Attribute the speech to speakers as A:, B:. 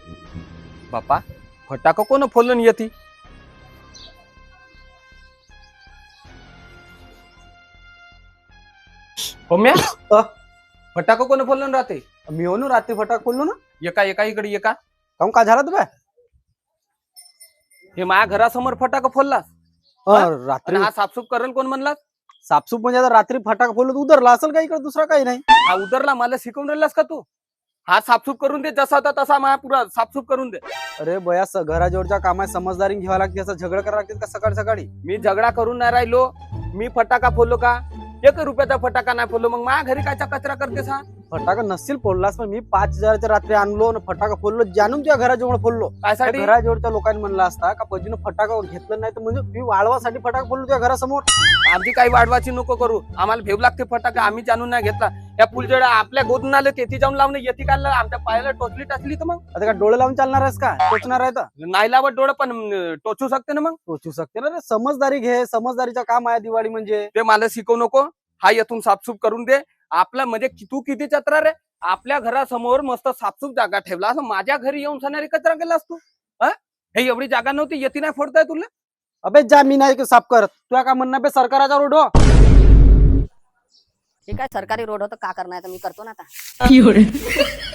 A: बापा फटाका कोण फोडलं नाही येती होम्या फटाका कोण फोडलं राहते
B: मी हो ना रात्री फटाक खोललो ना.
A: एका एका इकडे एका
B: काहून का झाला तुम्ही
A: हे माझ्या घरासमोर फटाका फोडलास
B: रात्री
A: आणि हा साफसूफ करेल कोण म्हणलास
B: साफसूफ म्हणजे आता रात्री फटाका खोललो उतरला असेल का इकडे दुसरा काही नाही.
A: हा उतरला मला शिकवून राहिलास का तू हा साफसूफ करून दे जसा होता तसा माझा पुरा साफसूफ करून दे
B: अरे बया घराजवळच्या कामात समजदारी घ्यावा लागते असं झगडा करावं लागते का सकाळी सकाळी.
A: मी झगडा करून नाही राहिलो मी फटाका फोडलो का 1 रुपयाचा फटाका नाही फोडलो मग माझ्या घरी कायचा कचरा करतेस हा
B: फटाका नसतील फोडलास पण मी 5,000च्या रात्री आणलो आणि फटाका फोडलो जाणून तुझ्या घराजवळ फोडलो.
A: कायसाठी
B: घराजवळच्या लोकांनी म्हणलं असता का पजीनं फटाका घेतलं नाही तर म्हणजे मी वाळवासाठी फटाका फोडलो तुझ्या घरासमोर.
A: आमची काही वाढवाची नको करू आम्हाला भेव लागते फटाका आम्ही जाणून नाही घेतला या पुलजडा आपल्या गोदून आले तेथे जाऊन लावणे येते काढलं आमच्या पायाला टोचली टाचली तर मग
B: आता का डोळे लावून चालणार आहेस का टोचणार आहे तर
A: नाही लावत डोळं पण टोचू शकते ना मग
B: टोचू शकते ना रे. समजदारी घे समजदारीचं काम आहे दिवाळी म्हणजे.
A: ते मला शिकवू नको हा येथून साफसूफ करून दे आपला म्हणजे तू किती चत्रा रे आपल्या घरासमोर मस्त साफसूफ जागा ठेवला असं माझ्या घरी येऊन सणारी कचरा केलास तू हे एवढी जागा नव्हती येती नाही फोडताय तुला.
B: अबे जा मी नाही साफ करत तुला का म्हणणं बे सरकाराचा रोड हो.
C: ठीक आहे सरकारी रोड होतं का करणार मी करतो ना आता.